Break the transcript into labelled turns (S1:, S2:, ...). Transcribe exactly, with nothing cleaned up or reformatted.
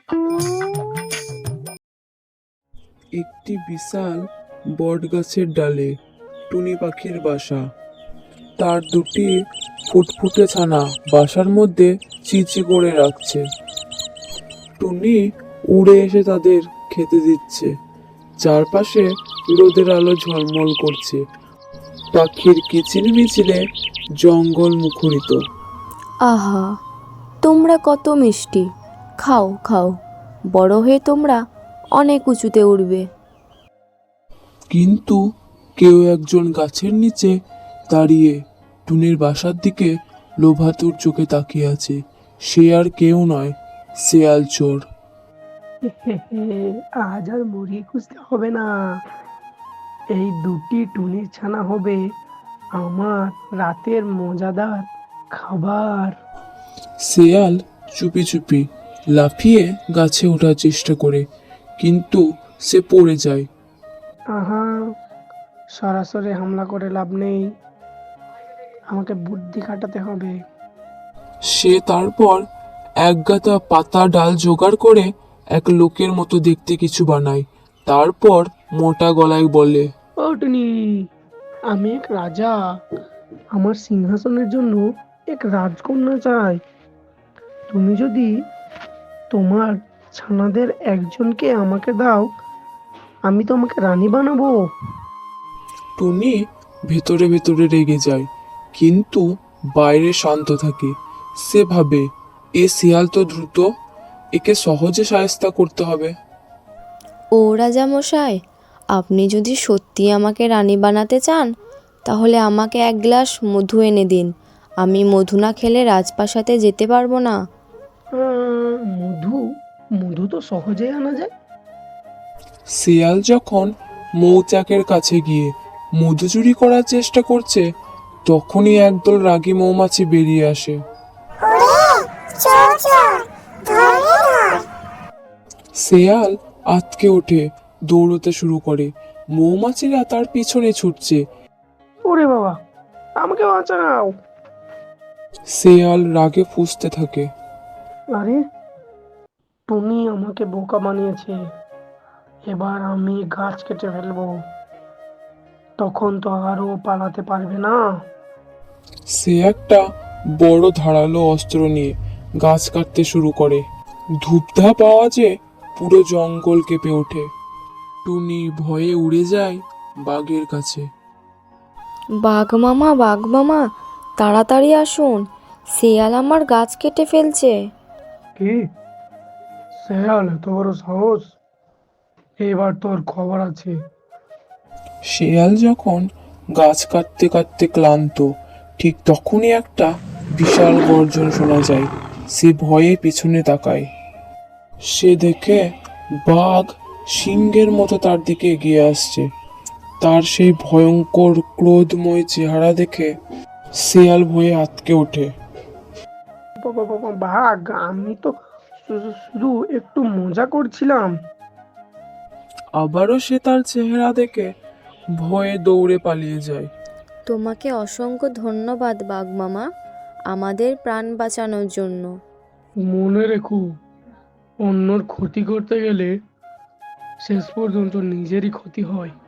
S1: একটি বিশাল বটগাছের ডালে টুনি পাখির বাসা। তার দুটি ফুটফুটে ছানা বাসার মধ্যে চিচি করে রাখছে। টুনি উড়ে এসে তাদের খেতে দিচ্ছে। চারপাশে রোদের আলো ঝলমল করছে। পাখির কিচিরমিচিরে জঙ্গল মুখরিত।
S2: আহা, তোমরা কত মিষ্টি! খাও খাও, বড় হয়ে তোমরা অনেক উঁচুতে উঠবে।
S1: কিন্তু কেউ একজন গাছের নিচে দাঁড়িয়ে টুনির বাসার দিকে লোভাতুর চোখে তাকিয়ে আছে। সে আর কেউ নয়, শেয়াল চোর।
S3: আজ আর মুরগি খুঁজতে হবে না, এই দুটি টুনির ছানা হবে আমার রাতের মজাদার খাবার।
S1: শেয়াল চুপি চুপি লাফিয়ে গাছে ওঠার চেষ্টা করে, কিন্তু সে পড়ে যায়।
S3: আহা, সরাসরি হামলা করে লাভ নেই, আমাকে বুদ্ধি খাটাতে হবে।
S1: সে তারপর একগাদা পাতা ডাল জোগাড় করে এক লোকের মতো দেখতে কিছু বানায়। তারপর মোটা গলায় বলে,
S3: ও টুনি, আমি এক রাজা, আমার সিংহাসনের জন্য এক রাজকন্যা চাই। তুমি যদি তোমার ছানাদের একজনকে আমাকে দাও, আমি তোমাকে রানী বানাবো।
S1: টুনি ভেতরে ভেতরে রেগে যায়, কিন্তু বাইরে শান্ত থাকে। সে ভাবে, এ শিয়াল তো দ্রুত, একে সহজে শায়েস্তা করতে হবে।
S2: ও রাজামশাই, আপনি যদি সত্যি আমাকে রানী বানাতে চান, তাহলে আমাকে এক গ্লাস মধু এনে দিন। আমি মধু না খেলে রাজপ্রাসাদে যেতে পারবো না।
S3: আহ, মধু মধু তো সহজেই আনা যায়।
S1: শিয়াল যখন মৌচাকের কাছে গিয়ে মধু চুরি করার চেষ্টা করছে, তখনই একদল রাগী মৌমাছি বেরিয়ে আসে। শিয়াল আঁতকে ওঠে, দৌড়তে শুরু করে। মৌমাছিরা তার পিছনে ছুটছে।
S3: ওরে বাবা, আমাকে বাঁচাও।
S1: শিয়াল রাগে ফুঁসতে থাকে।
S3: আরে, টুনি আমাকে বোকা বানিয়েছে, এবার আমি গাছ কেটে ফেলবো, তখন তো আরও পালাতে পারবে না।
S1: সে একটা বড় ধারালো অস্ত্র নিয়ে গাছ কাটতে শুরু করে। ধূপধাপ আওয়াজে পুরো জঙ্গল কেঁপে ওঠে। টুনি ভয়ে উড়ে যায় বাঘের কাছে।
S2: বাঘ মামা, বাঘ মামা, তাড়াতাড়ি আসুন, শেয়াল আমার গাছ কেটে ফেলছে।
S3: কি? শেয়াল এত বড় সাহস? এবার তোর খবর আছে।
S1: শেয়াল যখন গাছ কাটতে কাটতে ক্লান্ত, ঠিক তখনই একটা বিশাল গর্জন শোনা যায়। সে ভয়ে পিছনে তাকায়। সে দেখে বাঘ সিংহের মতো তার দিকে এগিয়ে আসছে। তার সেই ভয়ঙ্কর ক্রোধময় চেহারা দেখে শেয়াল ভয়ে আঁতকে ওঠে।
S3: বাবা বাবা, বাঘ, আমি তো শু- শুধু একটু মজা করছিলাম।
S1: আবারও সে তার চেহারা দেখে ভয়ে দৌড়ে পালিয়ে যায়।
S2: তোমাকে অসংখ্য ধন্যবাদ বাঘ মামা, আমাদের প্রাণ বাঁচানোর জন্য।
S3: মনে রেখো, অন্যর ক্ষতি করতে গেলে শেষ পর্যন্ত নিজেরই ক্ষতি হয়।